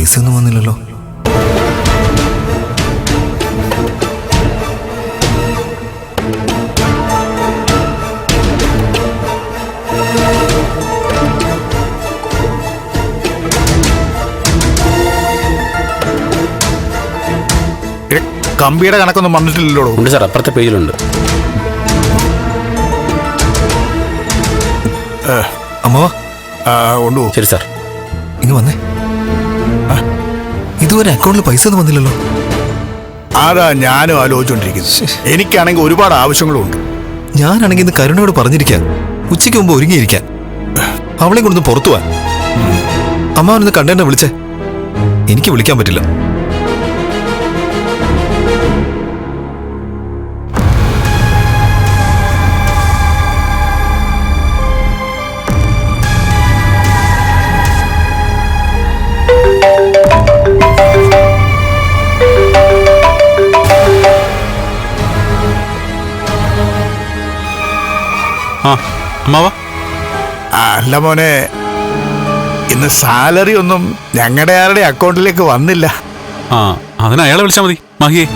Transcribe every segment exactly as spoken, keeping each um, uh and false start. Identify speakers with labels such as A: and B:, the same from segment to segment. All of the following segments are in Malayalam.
A: പൈസ ഒന്നും വന്നില്ലല്ലോ.
B: കമ്പിയുടെ കണക്കൊന്നും വന്നിട്ടില്ലല്ലോ.
C: ഉണ്ട് സാർ, അപ്പുറത്തെ പേജിലുണ്ട്.
A: അമ്മാവാ
B: കൊണ്ടുപോ.
C: ശരി സാർ.
A: ഇങ്ങ് വന്നേ. ഇതുവരെ അക്കൗണ്ടിൽ പൈസ ഒന്നും വന്നില്ലല്ലോ.
B: അതാ ഞാനും ആലോചിച്ചോണ്ടിരിക്കുന്നത്. എനിക്കാണെങ്കിൽ ഒരുപാട് ആവശ്യങ്ങളുണ്ട്.
A: ഞാനാണെങ്കിൽ ഇന്ന് കരുണയോട് പറഞ്ഞിരിക്കാൻ ഉച്ചയ്ക്ക് മുമ്പ് ഒരുങ്ങിയിരിക്കാൻ, അവളെ കൊണ്ടൊന്ന് പുറത്തു പോവാൻ. അമ്മാവനൊന്ന് കണ്ടെന്നെ വിളിച്ചേ. എനിക്ക് വിളിക്കാൻ പറ്റില്ല.
B: അല്ല മോനെ, ഇന്ന് സാലറി ഒന്നും ഞങ്ങളുടെ ആരുടെ അക്കൗണ്ടിലേക്ക് വന്നില്ല.
D: ആ, അതിന് അയാളെ വിളിച്ചാൽ മതി. മാഹിയെ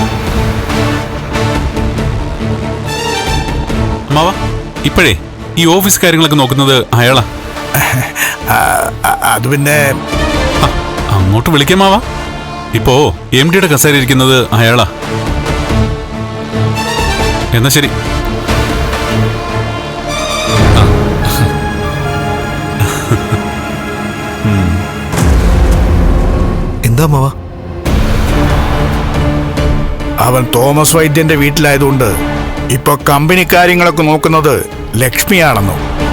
D: അമ്മാവ, ഇപ്പോഴേ ഈ ഓഫീസ് കാര്യങ്ങളൊക്കെ നോക്കുന്നത് അയാളാ.
B: അത് പിന്നെ
D: അങ്ങോട്ട് വിളിക്കാം മാവ. ഇപ്പോ എം ഡിയുടെ കസേര ഇരിക്കുന്നത് അയാളാ. എന്നാ ശരി.
A: എന്താ മാവാ?
B: അവൻ തോമസ് വൈദ്യന്റെ വീട്ടിലായതുകൊണ്ട് ഇപ്പൊ കമ്പനി കാര്യങ്ങളൊക്കെ നോക്കുന്നത് ലക്ഷ്മിയാണെന്നോ,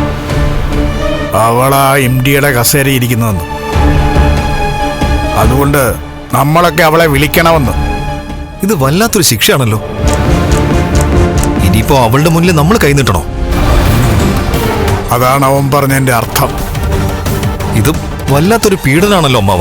B: അവളാ എം ഡിയുടെ കസേര ഇരിക്കുന്നതെന്ന്. അതുകൊണ്ട് നമ്മളൊക്കെ അവളെ വിളിക്കണമെന്ന്.
A: ഇത് വല്ലാത്തൊരു ശിക്ഷയാണല്ലോ. ഇനിയിപ്പോ അവളുടെ മുന്നിൽ നമ്മൾ കൈനീട്ടണോ?
B: അതാണ് അവൻ പറഞ്ഞതിന്റെ അർത്ഥം.
A: ഇത് വല്ലാത്തൊരു പീഡനാണല്ലോ അമ്മാവ.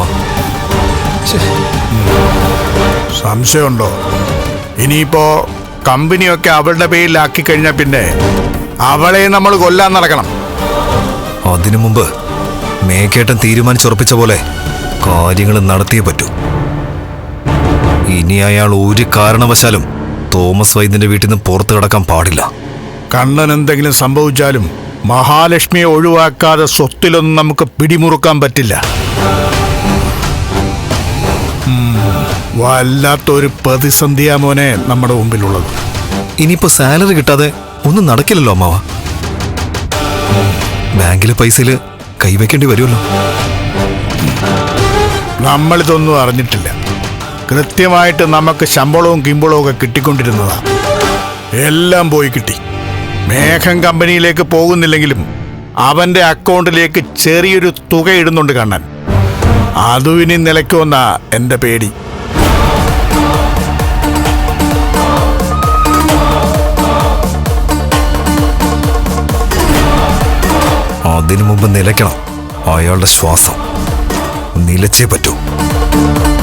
B: സംശയമുണ്ടോ? ഇനിയിപ്പോ കമ്പനിയൊക്കെ അവളുടെ പേരിലാക്കി കഴിഞ്ഞാൽ പിന്നെ അവളെ നമ്മൾ കൊല്ലാൻ നടക്കണം.
A: അതിനു മുമ്പ് മേക്കേട്ടൻ തീരുമാനിച്ചുറപ്പിച്ച പോലെ കാര്യങ്ങൾ നടത്തിയേ പറ്റൂ. ഇനി അയാൾ ഒരു കാരണവശാലും തോമസ് വൈദ്യന്റെ വീട്ടിൽ നിന്ന് പുറത്തു കിടക്കാൻ പാടില്ല.
B: കണ്ണൻ എന്തെങ്കിലും സംഭവിച്ചാലും മഹാലക്ഷ്മിയെ ഒഴിവാക്കാതെ സ്വത്തിലൊന്നും നമുക്ക് പിടിമുറുക്കാൻ പറ്റില്ല. വല്ലാത്തൊരു പ്രതിസന്ധിയാ മോനെ നമ്മുടെ മുമ്പിലുള്ളത്.
A: ഇനിയിപ്പോ സാലറി കിട്ടാതെ ഒന്നും നടക്കില്ലല്ലോ അമ്മാവ. ബാങ്കിലെ പൈസയില് കൈവയ്ക്കേണ്ടി വരുമല്ലോ.
B: നമ്മളിതൊന്നും അറിഞ്ഞിട്ടില്ല. കൃത്യമായിട്ട് നമുക്ക് ശമ്പളവും കിമ്പളവും ഒക്കെ കിട്ടിക്കൊണ്ടിരുന്നതാ. എല്ലാം പോയി കിട്ടി. മേഘം കമ്പനിയിലേക്ക് പോകുന്നില്ലെങ്കിലും അവന്റെ അക്കൗണ്ടിലേക്ക് ചെറിയൊരു തുക ഇടുന്നുണ്ട് കണ്ണൻ. അതും ഇനി നിലയ്ക്കുമെന്നാ എന്റെ പേടി.
A: അതിനു മുമ്പ് നിലയ്ക്കണം അയാളുടെ ശ്വാസം. നിലച്ചേ പറ്റൂ.